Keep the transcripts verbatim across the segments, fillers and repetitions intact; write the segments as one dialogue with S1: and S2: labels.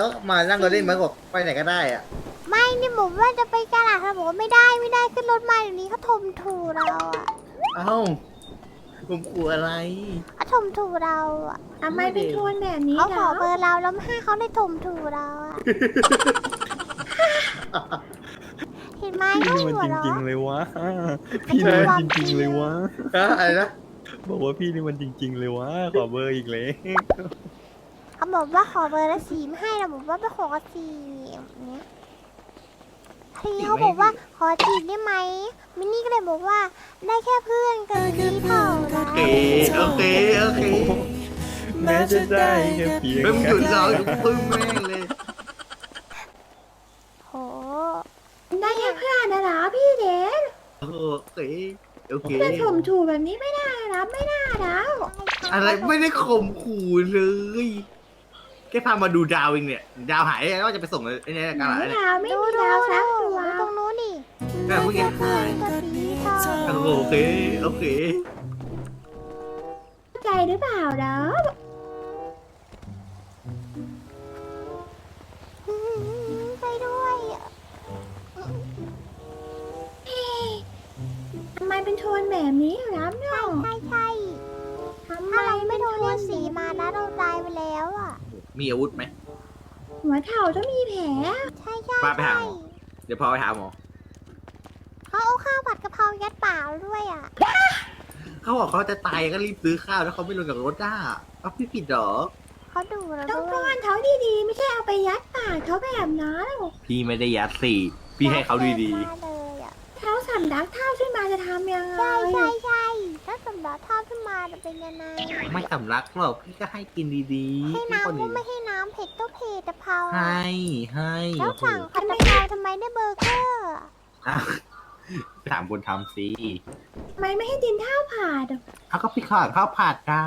S1: มานั่งรถเล่นมาบอกไปไหนก็ได้อ่ะ
S2: ไม่นี่บอกว่าจะไปกาลาดเขาบอกว่าไม่ได้ไม่ได้ขึ้นรถมาเดี๋ยวนี้เขาถมถูเราอะ
S1: เอ้าผมกลัวอะไร
S2: เขาถมถูเราอะ
S3: ทำไมเป็นโทนแบบนี้
S2: เขาข
S3: เหร
S2: อ
S3: อ
S2: เบอร์เราแล้วไม่ให้เขาได้ถมถูเราอะเห็นไหม
S4: พี่
S2: เขา
S4: นี่มัน
S2: หัว
S4: จ
S2: เราะ
S4: ริงๆเลยวะพี่นี่มันจริงๆเลยวะ
S1: ฮะอะไรนะ
S4: บอกว่าพี่นี่มันจริง ๆ เลยวะขอเบอร์อีกเลย
S2: เขาบอกว่าขอเบอร์แล้วสีไม่ให้เราบอกว่าไปขอสีอย่างเนี้ยทีเขาบอกว่าขอจีบได้ไหมมินนี่ก็เลยบอกว่าได้แค่เพื่อนกันที่เท่า
S1: โอ
S2: นั้น
S1: เคโอเคโอเค
S4: แม้จะได้แค่เพียง
S1: เริ่มห
S4: กั
S1: ยุ
S4: น
S1: ดเราอยู่ปึ้งแม่งเลย
S2: โห
S3: ได้แค่เพื่อนนะเหรอพี่เดน
S1: โอเคโอเค
S3: จะถมถูแบบนี้ไม่ได้นะไม่ได้แล้ว
S1: อะไรไม่ได้ข่มขู่เลยแค่พามาดูดาวเองเนี่ยดาวหายแล้วจะไปส่งไอ้เนี่ยกัน
S3: ไม่
S1: อะไรเนี่ย
S3: ดาวไม่
S2: ดู
S3: มี
S2: ดู
S3: ดาวสัก
S2: ดู
S3: ตัว
S2: ตรงนู้นนี่
S1: แม่เมื่อกี้หาย
S2: ตัวสีเท่า
S1: โอเคโอเค
S3: เข้าใจหรือเปล่าเนาะ
S2: อืมไปด้วยอะ
S3: เฮ้ทำไมเป็นโทนแบบนี้รับเนาะ
S2: ใช่ใช่
S3: ทำไม
S2: ถ้าเราไม่
S3: เป็น
S2: โด
S3: โท
S2: นเรีย
S3: น
S2: กสีมานะเราตายไปแล้วอ่ะ
S1: มีอาวุธไหม
S3: หัวเข่าต้องมีแผล
S2: ใช่ใช่
S1: ป้าไปหา
S2: ใช่
S1: หมอ เดี๋ยวพอไปหาหมอ
S2: เขาเอาข้าวผัดกะเพรายัดปากเราด้วยอ่ะ
S1: เขาบอกเขาจะตายก็รีบซื้อข้าวแล้วเขาไม่ลงจากรถได้เอาพี่ผิดเหรอ
S2: เขาดูเรา
S3: ต้อง
S2: ด้
S3: ป้
S2: ว
S3: อย นเขาดีๆ ไม่ใช่เอาไปยัดปากเขาแบบนั้น
S1: พี่ไม่ได้ยัดสี่พี่ให้เขาดี
S2: ได้เลยอ่ะ
S3: เท้าสำลักเท้าขึ้นมาจะทำยังไง
S2: ใช่ใช่ใช่ถ้าสำหรับท่าขึ้นมาจะเป็นยังไง
S1: ๆไม่สำลักหรอกพี่ก็ให้กินดีๆ
S2: ให้
S1: พี่คน
S2: น้ำก็
S1: ดี
S2: ไม่ให้น้ำเผ็ดก็เผ็ดกะเพรา
S1: ให้ให้
S2: แล้ว
S1: โอ้โห
S2: สั่งผัดกะเพราทำไมได้เบอร์เกอร์
S1: อ้าวไปถามคนทำสิ
S3: ทำไมไม่ให้ดินเท้าผ่าด
S1: เขาก็พี่สั่งข้าวผัดจ้าก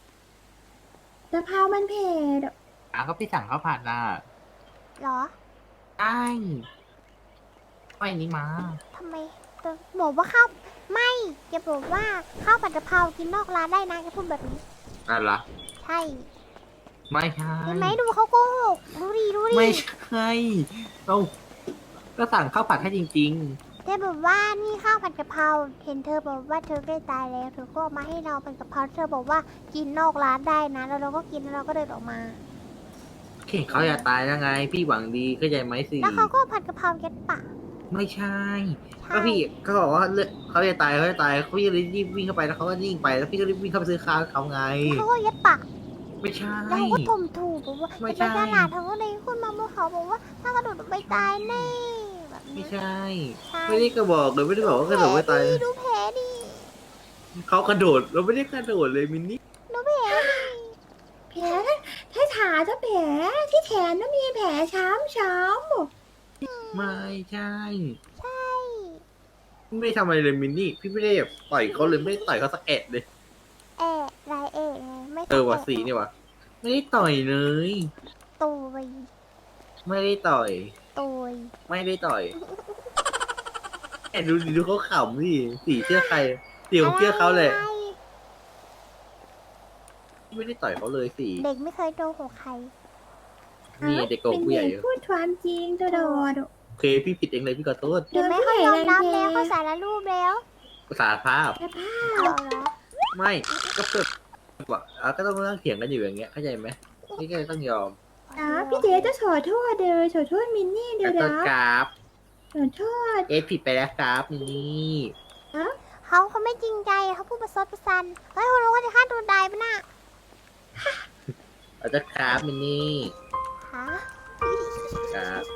S3: ะเพรามันเผ็ด
S1: อ้าวก็พี่สั่งข้าวผัดน่ะ
S2: เหรอ
S1: ได้ไม่นี้มา
S2: ทำไมแต่บอกว่าข้าวไม่จะบอกว่าข้าวผัดกะเพรากินนอกร้านได้นะแกพูดแบบนี้
S1: อะไรล่ะ
S2: ใช่
S1: ไม่ใช่
S2: เห็นไหมดูเขาโกหกดูดิดูดิ
S1: ไม่ใช่เราก็สั่งข้าวผัดให้จริง
S2: เธอบอกว่านี่ข้าวผัดกะเพราเห็นเธอบอกว่าเธอใกล้ตายแล้วเธอก็เอามาให้เราเป็นกะเพราเธอบอกว่ากินนอกร้านได้นะแล้วเราก็กินแล้วเราก็เดินออกมา
S1: ๆเข่งเขาจะตายยังไง พี่หวังดีเข้าใจไหมสิ
S2: แล้วเขาก็ผัดกะเพรายัดปาก
S1: ไม่ใช่
S2: ใช่
S1: ก็พี่เขาบอกว่าเลือดเขาจะตายเขาจะตายเขาจะรีบวิ่งเข้าไปแล้วเขาก็นิ่งไปแล้วพี่ก็รีบวิ่งเข้าไปซื้อข้าวให้เขาไง
S2: แล้วเขาก็ยัดปาก
S1: ไม่ใช่
S2: แล้วเขาก็ถมถูกบอกว่า
S1: ไม่
S2: จะ
S1: ใช่
S2: ไปตลาดเขาก็เลยขึ้นมาบนเขาบอกว่าถ้ากระโดดลงไปตายแน่แบบ
S1: ไม่
S2: นี้
S1: ใช่
S2: ใช่
S1: ไม่ได้กระบอกเลยไม่ได้บอกว่ากระโดดไม่ตาย
S2: ดูแผลดิ
S1: เขากระโดดเราไม่ได้กระโดดเลยมินนี่
S2: ดูแผลดิ
S3: แผลถ้าขาจะแผลที่แขนต้องมีแผลช้ำช้
S1: ไม่ใช่
S2: ใช่
S1: ไม่ได้ทำอะไรเลยมินนี่ พี่ไม่ได้แบบต่อยเขาเลยไม่ได้ต่อยเขาสักแอะเลย
S2: เอะลายเอะไงไม่
S1: เออว่ะสีนี่ว่ะไม่ได้ต่อยเลย
S2: ตุย
S1: ไม่ได้ต่อย
S2: ตุย
S1: ไม่ได้ต่อยแอบดูดิดูเขาขำดิสีเชื่อใครสีผมเชื่อเขาเลย
S2: อะไร
S1: ไม่ได้ต่อยเขาเลยสี
S2: เด็กไม่เคยโดนของใคร
S3: ำ
S1: นี่เด็กโกงผู้ใหญ่
S3: เป็นเด็กพูดความจริงตลอด
S1: โอเคพี่ผิดเองเลยพี่ขอโทษ
S2: เห็นไหมเขายอมรับแล้วเขาสารรูปแล้ว
S1: สารภาพ
S3: แต่ผ้า
S2: เอาเหรอ
S1: ไม่ก็เกิดว่าอ่ะก็ต้องนั่งเถียงกันอยู่อย่างเงี้ยเข้าใจไหมพี่ก็เลยต้องยอม
S3: นะพี่เดจะขอโทษเลยขอโทษมินนี่เดี๋
S1: แล้
S3: ยว ว
S1: ก็
S3: นะ
S1: กราฟ
S3: ขอโทษ
S1: เอะผิดไปแล้วครับนี่
S2: เขาเขาไม่จริงใจเขาพูดประชดประชันเฮ้ยคุณรู้ว่าจะฆ่าตัวตายปะน่ะ
S1: เราจะกราฟมินนี่
S2: ฮะ
S1: กราฟ